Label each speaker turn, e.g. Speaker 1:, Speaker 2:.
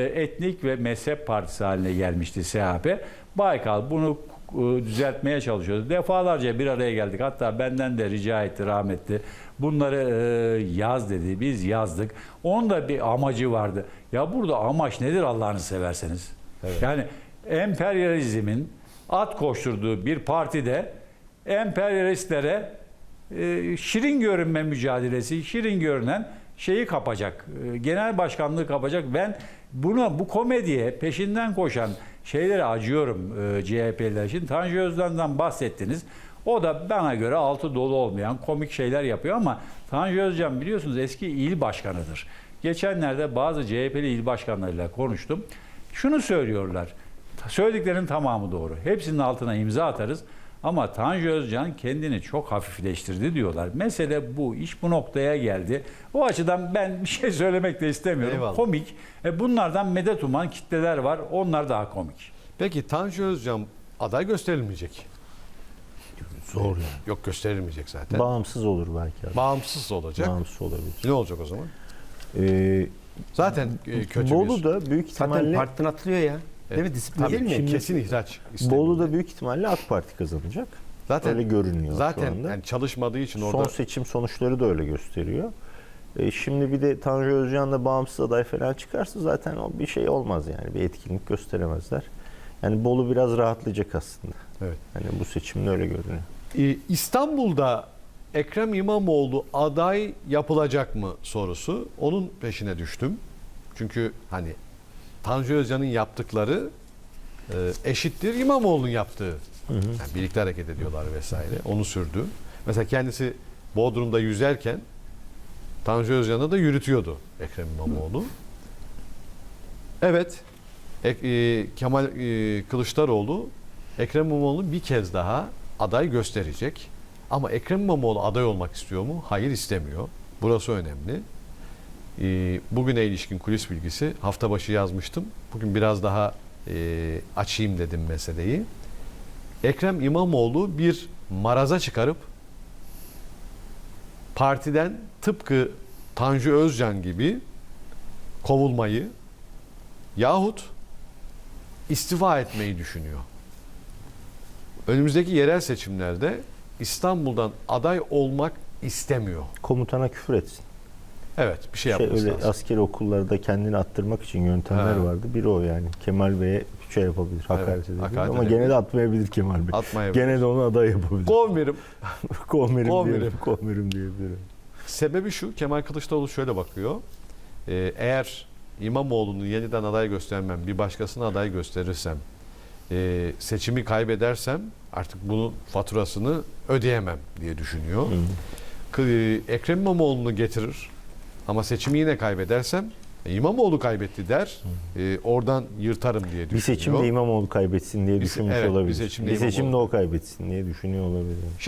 Speaker 1: etnik ve mezhep partisi haline gelmişti SHP. Baykal bunu düzeltmeye çalışıyordu. Defalarca bir araya geldik. Hatta benden de rica etti rahmetli. Bunları yaz dedi. Biz yazdık. Onun da bir amacı vardı. Ya burada amaç nedir Allah'ını severseniz? Evet. Yani emperyalizmin at koşturduğu bir partide emperyalistlere şirin görünme mücadelesi, şirin görünen şeyi kapacak. Genel başkanlığı kapacak. Ben bu komediye peşinden koşan şeylere acıyorum CHP'liler için. Tanju Özcan'dan bahsettiniz. O da bana göre altı dolu olmayan komik şeyler yapıyor ama Tanju Özcan biliyorsunuz eski il başkanıdır. Geçenlerde bazı CHP'li il başkanlarıyla konuştum. Şunu söylüyorlar. Söylediklerinin tamamı doğru. Hepsinin altına imza atarız. Ama Tanju Özcan kendini çok hafifleştirdi diyorlar. Mesele bu. İş bu noktaya geldi. O açıdan ben bir şey söylemek de istemiyorum.
Speaker 2: Eyvallah.
Speaker 1: Komik. Bunlardan medet uman kitleler var. Onlar daha komik.
Speaker 2: Peki Tanju Özcan aday gösterilmeyecek.
Speaker 3: Zor yani.
Speaker 2: Yok, gösterilmeyecek zaten.
Speaker 3: Bağımsız olur belki. Abi.
Speaker 2: Bağımsız olacak.
Speaker 3: Bağımsız olabilir.
Speaker 2: Ne olacak o zaman?
Speaker 3: Ee,
Speaker 2: Zaten kötü
Speaker 3: Bolu'da büyük
Speaker 4: Zaten
Speaker 3: ihtimalle
Speaker 4: partiden atılıyor ya. Değil mi? Disiplin
Speaker 2: tabii
Speaker 4: değil mi?
Speaker 2: kesin ihraç istemiyor.
Speaker 3: Bolu'da büyük ihtimalle AK Parti kazanacak.
Speaker 2: Zaten
Speaker 3: öyle görünüyor şu
Speaker 2: zaten
Speaker 3: anda.
Speaker 2: yani çalışmadığı için
Speaker 3: Son
Speaker 2: orada
Speaker 3: seçim sonuçları da öyle gösteriyor. Şimdi bir de Tanju Özcan'la bağımsız aday falan çıkarsa zaten o bir şey olmaz yani. Bir etkinlik gösteremezler. Yani Bolu biraz rahatlayacak aslında.
Speaker 2: evet.
Speaker 3: Hani bu seçimde öyle görünüyor.
Speaker 2: İstanbul'da Ekrem İmamoğlu aday yapılacak mı sorusu, onun peşine düştüm. Çünkü hani Tanju Özcan'ın yaptıkları eşittir İmamoğlu'nun yaptığı. Yani birlikte hareket ediyorlar vesaire. Onu sürdü. Mesela kendisi Bodrum'da yüzerken Tanju Özcan'ı da yürütüyordu Ekrem İmamoğlu. Evet. Kemal Kılıçdaroğlu Ekrem İmamoğlu bir kez daha aday gösterecek. Ama Ekrem İmamoğlu aday olmak istiyor mu? Hayır, istemiyor. Burası önemli. Bugüne ilişkin kulis bilgisi hafta başı yazmıştım. Bugün biraz daha açayım dedim meseleyi. Ekrem İmamoğlu bir maraza çıkarıp partiden tıpkı Tanju Özcan gibi kovulmayı yahut istifa etmeyi düşünüyor. Önümüzdeki yerel seçimlerde İstanbul'dan aday olmak istemiyor.
Speaker 3: Komutana küfür etsin.
Speaker 2: Evet, bir şey yapması
Speaker 3: Öyle
Speaker 2: lazım.
Speaker 3: askeri okullarda kendini attırmak için yöntemler
Speaker 2: Ha.
Speaker 3: vardı. Biri o yani. Kemal Bey'e şey yapabilir, hakaret edebilir.
Speaker 2: hakaret
Speaker 3: Ama
Speaker 2: edebilir.
Speaker 3: gene de atmayabilir Kemal Bey.
Speaker 2: Atmayabilir.
Speaker 3: Gene de onu aday yapabilir.
Speaker 2: Kovmerim.
Speaker 3: Kovmerim diyebilirim.
Speaker 2: Sebebi şu, Kemal Kılıçdaroğlu şöyle bakıyor. Eğer İmamoğlu'nu yeniden aday göstermem, bir başkasına aday gösterirsem, seçimi kaybedersem artık bunun faturasını ödeyemem diye düşünüyor. Ekrem İmamoğlu'nu getirir ama seçimi yine kaybedersem İmamoğlu kaybetti der. Oradan yırtarım diye düşünüyor.
Speaker 3: Bir seçimde İmamoğlu kaybetsin diye düşünmüş
Speaker 2: evet, bir
Speaker 3: olabilir.
Speaker 2: seçimde
Speaker 3: Bir seçimde
Speaker 2: İmamoğlu.
Speaker 3: o kaybetsin diye düşünüyor olabilir.